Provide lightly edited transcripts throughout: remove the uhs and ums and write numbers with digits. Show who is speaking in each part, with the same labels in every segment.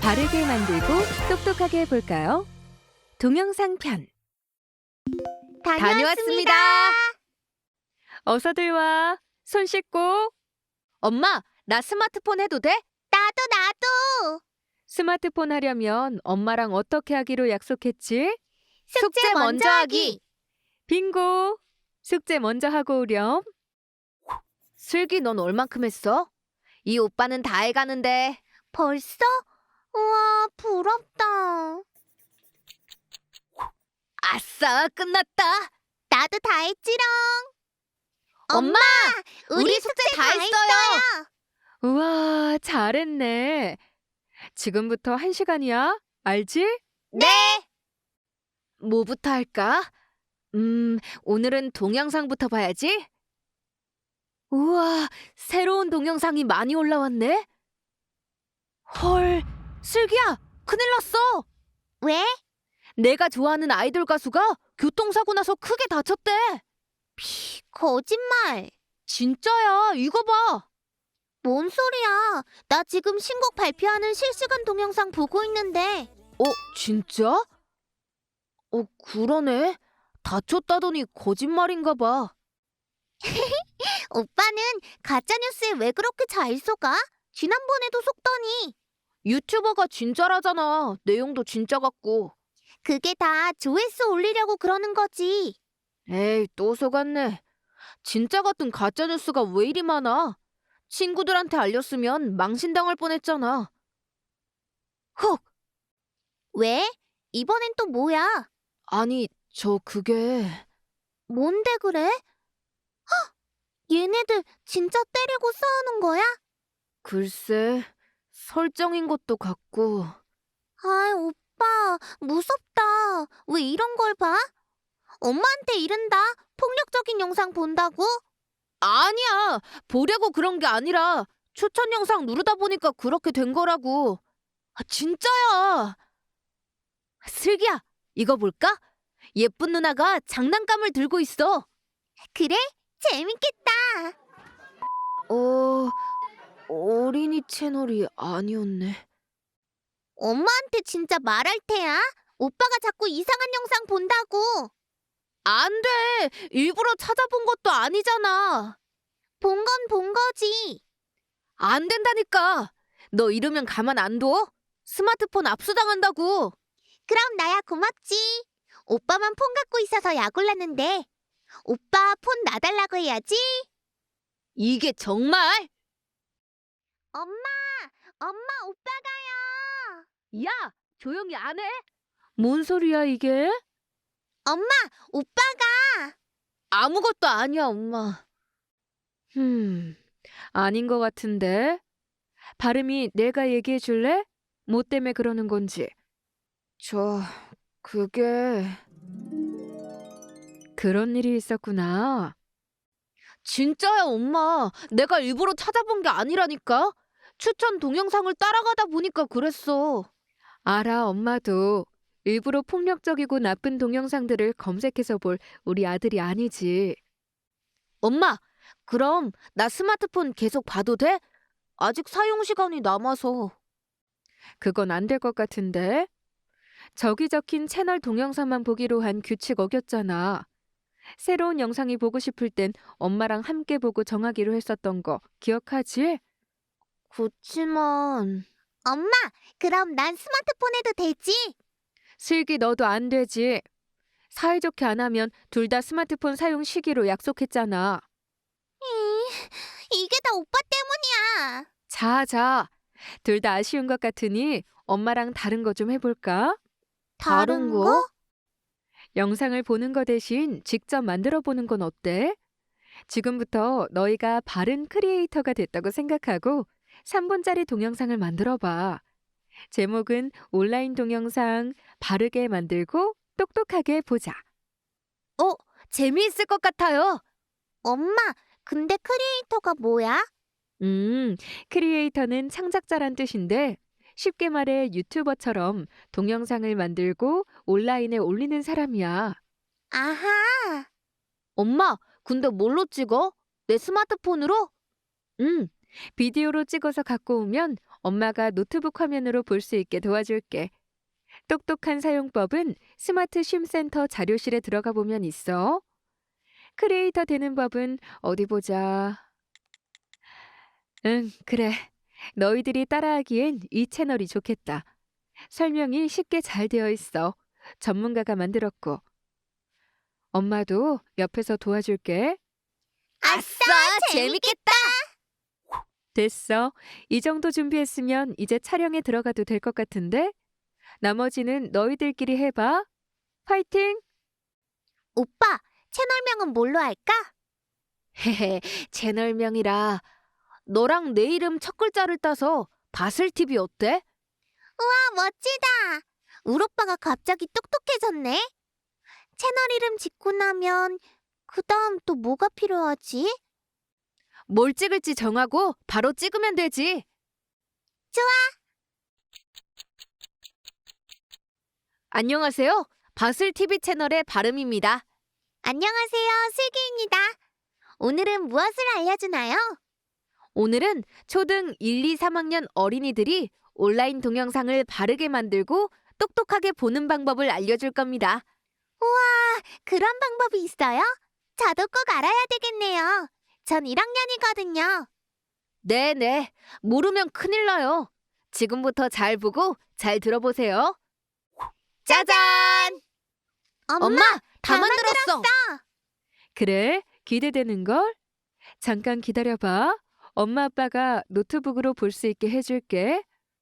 Speaker 1: 바르게 만들고 똑똑하게 볼까요? 동영상 편.
Speaker 2: 다녀왔습니다.
Speaker 1: 어서들 와. 손 씻고.
Speaker 2: 엄마, 나 스마트폰 해도 돼? 나도.
Speaker 1: 스마트폰 하려면 엄마랑 어떻게 하기로 약속했지?
Speaker 2: 숙제 먼저 하기.
Speaker 1: 빙고. 숙제 먼저 하고 오렴.
Speaker 2: 슬기, 넌 얼만큼 했어? 이 오빠는 다 해가는데. 벌써? 우와, 부럽다. 아싸, 끝났다. 나도 다 했지롱. 엄마, 우리 숙제 다 했어요.
Speaker 1: 우와, 잘했네. 지금부터 1시간이야. 알지?
Speaker 2: 네. 뭐부터 할까? 오늘은 동영상부터 봐야지. 우와, 새로운 동영상이 많이 올라왔네. 헐, 슬기야, 큰일 났어. 왜? 내가 좋아하는 아이돌 가수가 교통사고 나서 크게 다쳤대. 거짓말. 진짜야, 이거 봐. 뭔 소리야? 나 지금 신곡 발표하는 실시간 동영상 보고 있는데. 진짜? 그러네. 다쳤다더니 거짓말인가 봐. 오빠는 가짜뉴스에 왜 그렇게 잘 속아? 지난번에도 속더니. 유튜버가 진짜라잖아. 내용도 진짜 같고. 그게 다 조회수 올리려고 그러는 거지. 에이, 또 속았네. 진짜 같은 가짜뉴스가 왜 이리 많아? 친구들한테 알렸으면 망신당할 뻔했잖아. 헉! 왜? 이번엔 또 뭐야? 아니, 그게... 뭔데 그래? 헉! 얘네들 진짜 때리고 싸우는 거야? 글쎄, 설정인 것도 같고... 아이, 오빠, 무섭다. 왜 이런 걸 봐? 엄마한테 이른다. 폭력적인 영상 본다고? 아니야. 보려고 그런 게 아니라 추천 영상 누르다 보니까 그렇게 된 거라고. 진짜야. 슬기야, 이거 볼까? 예쁜 누나가 장난감을 들고 있어. 그래? 재밌겠다. 어린이 채널이 아니었네. 엄마한테 진짜 말할 테야. 오빠가 자꾸 이상한 영상 본다고. 안 돼. 일부러 찾아본 것도 아니잖아. 본 건 본 거지. 안 된다니까. 너 이러면 가만 안 둬? 스마트폰 압수당한다고. 그럼 나야 고맙지. 오빠만 폰 갖고 있어서 약 올랐는데. 오빠 폰 놔달라고 해야지. 이게 정말? 엄마 오빠가요. 야, 조용히 안 해?
Speaker 1: 뭔 소리야, 이게?
Speaker 2: 엄마, 오빠가. 아무것도 아니야, 엄마.
Speaker 1: 아닌 것 같은데. 발음이 내가 얘기해 줄래? 뭐 때문에 그러는 건지.
Speaker 2: 그게...
Speaker 1: 그런 일이 있었구나.
Speaker 2: 진짜야, 엄마. 내가 일부러 찾아본 게 아니라니까. 추천 동영상을 따라가다 보니까 그랬어.
Speaker 1: 알아, 엄마도. 일부러 폭력적이고 나쁜 동영상들을 검색해서 볼 우리 아들이 아니지.
Speaker 2: 엄마, 그럼 나 스마트폰 계속 봐도 돼? 아직 사용 시간이 남아서.
Speaker 1: 그건 안 될 것 같은데. 저기 적힌 채널 동영상만 보기로 한 규칙 어겼잖아. 새로운 영상이 보고 싶을 땐 엄마랑 함께 보고 정하기로 했었던 거 기억하지?
Speaker 2: 그치만... 엄마, 그럼 난 스마트폰 해도 되지?
Speaker 1: 슬기 너도 안 되지. 사이좋게 안 하면 둘 다 스마트폰 사용 시기로 약속했잖아.
Speaker 2: 이게 다 오빠 때문이야.
Speaker 1: 자. 둘 다 아쉬운 것 같으니 엄마랑 다른 거 좀 해볼까?
Speaker 2: 다른 거?
Speaker 1: 영상을 보는 거 대신 직접 만들어 보는 건 어때? 지금부터 너희가 바른 크리에이터가 됐다고 생각하고 3분짜리 동영상을 만들어 봐. 제목은 온라인 동영상 바르게 만들고 똑똑하게 보자.
Speaker 2: 재미있을 것 같아요. 엄마, 근데 크리에이터가 뭐야?
Speaker 1: 크리에이터는 창작자란 뜻인데 쉽게 말해 유튜버처럼 동영상을 만들고 온라인에 올리는 사람이야.
Speaker 2: 아하. 엄마, 근데 뭘로 찍어? 내 스마트폰으로?
Speaker 1: 비디오로 찍어서 갖고 오면 엄마가 노트북 화면으로 볼 수 있게 도와줄게. 똑똑한 사용법은 스마트 쉼센터 자료실에 들어가 보면 있어. 크리에이터 되는 법은 어디 보자. 응, 그래. 너희들이 따라하기엔 이 채널이 좋겠다. 설명이 쉽게 잘 되어 있어. 전문가가 만들었고. 엄마도 옆에서 도와줄게.
Speaker 2: 아싸, 재밌겠다.
Speaker 1: 됐어. 이 정도 준비했으면 이제 촬영에 들어가도 될 것 같은데? 나머지는 너희들끼리 해봐. 파이팅!
Speaker 2: 오빠, 채널명은 뭘로 할까?
Speaker 1: 헤헤, 채널명이라. 너랑 내 이름 첫 글자를 따서 바슬TV 어때?
Speaker 2: 아, 멋지다. 울 오빠가 갑자기 똑똑해졌네. 채널 이름 짓고 나면 그다음 또 뭐가 필요하지?
Speaker 1: 뭘 찍을지 정하고 바로 찍으면 되지.
Speaker 2: 좋아.
Speaker 1: 안녕하세요. 바슬TV 채널의 바름입니다.
Speaker 2: 안녕하세요, 슬기입니다. 오늘은 무엇을 알려주나요?
Speaker 1: 오늘은 초등 1, 2, 3학년 어린이들이 온라인 동영상을 바르게 만들고 똑똑하게 보는 방법을 알려줄 겁니다.
Speaker 2: 그런 방법이 있어요? 저도 꼭 알아야 되겠네요. 전 1학년이거든요.
Speaker 1: 네네. 모르면 큰일 나요. 지금부터 잘 보고 잘 들어보세요. 짜잔!
Speaker 2: 엄마,
Speaker 1: 다
Speaker 2: 다
Speaker 1: 만들었어. 그래, 기대되는걸? 잠깐 기다려봐. 엄마 아빠가 노트북으로 볼 수 있게 해줄게.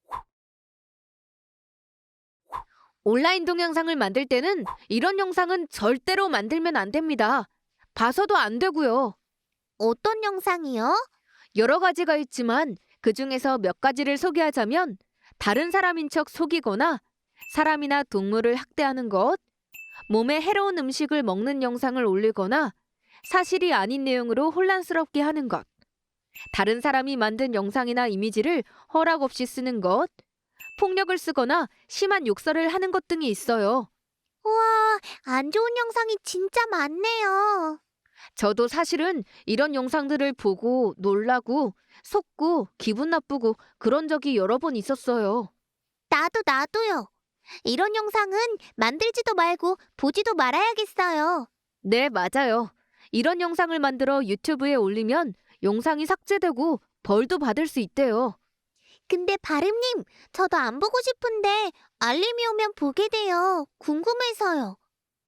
Speaker 1: 온라인 동영상을 만들 때는 이런 영상은 절대로 만들면 안 됩니다. 봐서도 안 되고요.
Speaker 2: 어떤 영상이요?
Speaker 1: 여러 가지가 있지만 그중에서 몇 가지를 소개하자면 다른 사람인 척 속이거나 사람이나 동물을 학대하는 것, 몸에 해로운 음식을 먹는 영상을 올리거나 사실이 아닌 내용으로 혼란스럽게 하는 것, 다른 사람이 만든 영상이나 이미지를 허락 없이 쓰는 것, 폭력을 쓰거나 심한 욕설을 하는 것 등이 있어요.
Speaker 2: 우와, 안 좋은 영상이 진짜 많네요.
Speaker 1: 저도 사실은 이런 영상들을 보고 놀라고 속고 기분 나쁘고 그런 적이 여러 번 있었어요.
Speaker 2: 나도요. 이런 영상은 만들지도 말고 보지도 말아야겠어요.
Speaker 1: 네, 맞아요. 이런 영상을 만들어 유튜브에 올리면 영상이 삭제되고 벌도 받을 수 있대요.
Speaker 2: 근데 바름님, 저도 안 보고 싶은데 알림이 오면 보게 돼요. 궁금해서요.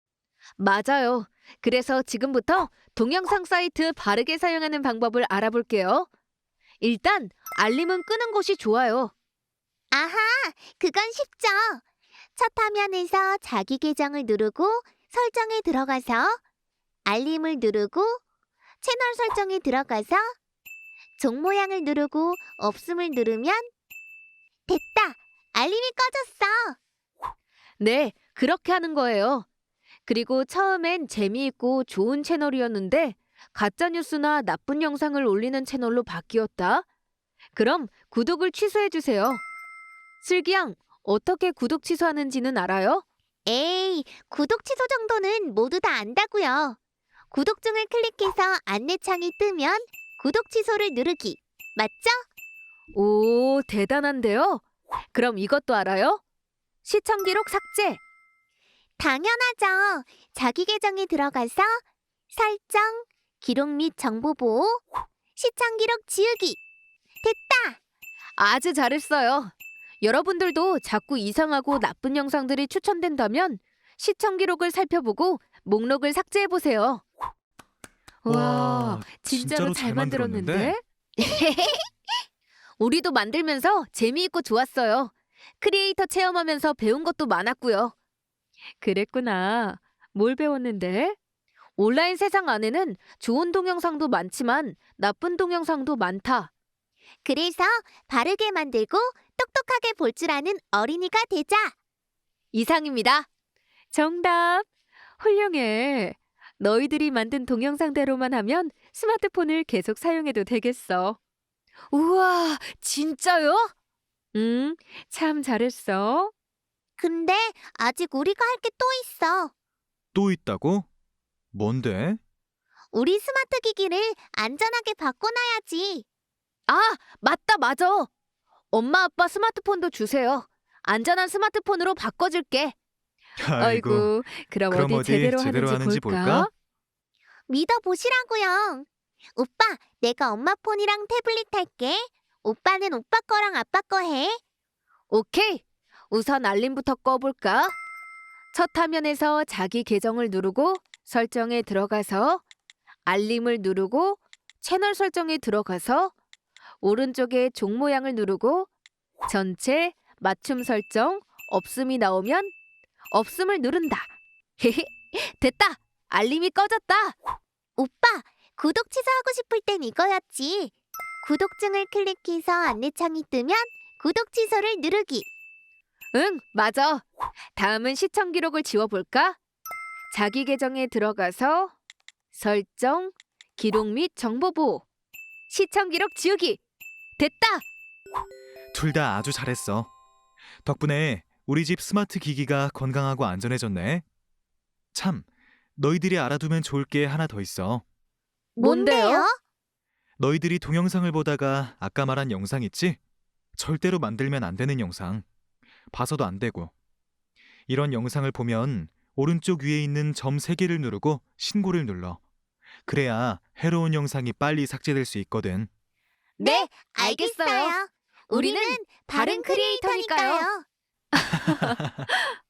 Speaker 1: 맞아요. 그래서 지금부터 동영상 사이트 바르게 사용하는 방법을 알아볼게요. 일단 알림은 끄는 것이 좋아요.
Speaker 2: 아하, 그건 쉽죠. 첫 화면에서 자기 계정을 누르고 설정에 들어가서 알림을 누르고 채널 설정에 들어가서 종 모양을 누르고 없음을 누르면 됐다. 알림이 꺼졌어.
Speaker 1: 네, 그렇게 하는 거예요. 그리고 처음엔 재미있고 좋은 채널이었는데 가짜뉴스나 나쁜 영상을 올리는 채널로 바뀌었다. 그럼 구독을 취소해주세요. 슬기양, 어떻게 구독 취소하는지는 알아요?
Speaker 2: 에이, 구독 취소 정도는 모두 다 안다고요. 구독 중을 클릭해서 안내창이 뜨면 구독 취소를 누르기. 맞죠?
Speaker 1: 오, 대단한데요? 그럼 이것도 알아요? 시청 기록 삭제.
Speaker 2: 당연하죠. 자기 계정에 들어가서 설정, 기록 및 정보 보호, 시청 기록 지우기. 됐다.
Speaker 1: 아주 잘했어요. 여러분들도 자꾸 이상하고 나쁜 영상들이 추천된다면 시청 기록을 살펴보고 목록을 삭제해 보세요. 와, 진짜로 잘 만들었는데? 우리도 만들면서 재미있고 좋았어요. 크리에이터 체험하면서 배운 것도 많았고요. 그랬구나. 뭘 배웠는데? 온라인 세상 안에는 좋은 동영상도 많지만 나쁜 동영상도 많다.
Speaker 2: 그래서 바르게 만들고 똑똑하게 볼 줄 아는 어린이가 되자.
Speaker 1: 이상입니다. 정답. 훌륭해. 너희들이 만든 동영상대로만 하면 스마트폰을 계속 사용해도 되겠어. 우와, 진짜요? 참 잘했어.
Speaker 2: 근데 아직 우리가 할 게 또 있어.
Speaker 3: 또 있다고? 뭔데?
Speaker 2: 우리 스마트 기기를 안전하게 바꿔놔야지.
Speaker 1: 아, 맞다, 맞아.
Speaker 2: 엄마 아빠 스마트폰도 주세요. 안전한 스마트폰으로 바꿔줄게.
Speaker 1: 아이고, 그럼
Speaker 3: 그럼
Speaker 1: 어디 제대로 하는지 볼까?
Speaker 2: 믿어보시라고요. 오빠, 내가 엄마 폰이랑 태블릿 할게. 오빠는 오빠 거랑 아빠 거 해. 오케이. 우선 알림부터 꺼볼까? 첫 화면에서 자기 계정을 누르고 설정에 들어가서 알림을 누르고 채널 설정에 들어가서 오른쪽에 종 모양을 누르고 전체 맞춤 설정 없음이 나오면 없음을 누른다. 됐다. 알림이 꺼졌다. 오빠, 구독 취소하고 싶을 땐 이거였지. 구독증을 클릭해서 안내창이 뜨면 구독 취소를 누르기. 응, 맞아. 다음은 시청 기록을 지워볼까? 자기 계정에 들어가서 설정, 기록 및 정보 보호. 시청 기록 지우기. 됐다.
Speaker 3: 둘 다 아주 잘했어. 덕분에 우리 집 스마트 기기가 건강하고 안전해졌네. 참, 너희들이 알아두면 좋을 게 하나 더 있어.
Speaker 2: 뭔데요?
Speaker 3: 너희들이 동영상을 보다가 아까 말한 영상 있지? 절대로 만들면 안 되는 영상. 봐서도 안 되고. 이런 영상을 보면 오른쪽 위에 있는 점 3개를 누르고 신고를 눌러. 그래야 해로운 영상이 빨리 삭제될 수 있거든.
Speaker 2: 네, 알겠어요. 우리는 바른 크리에이터니까요.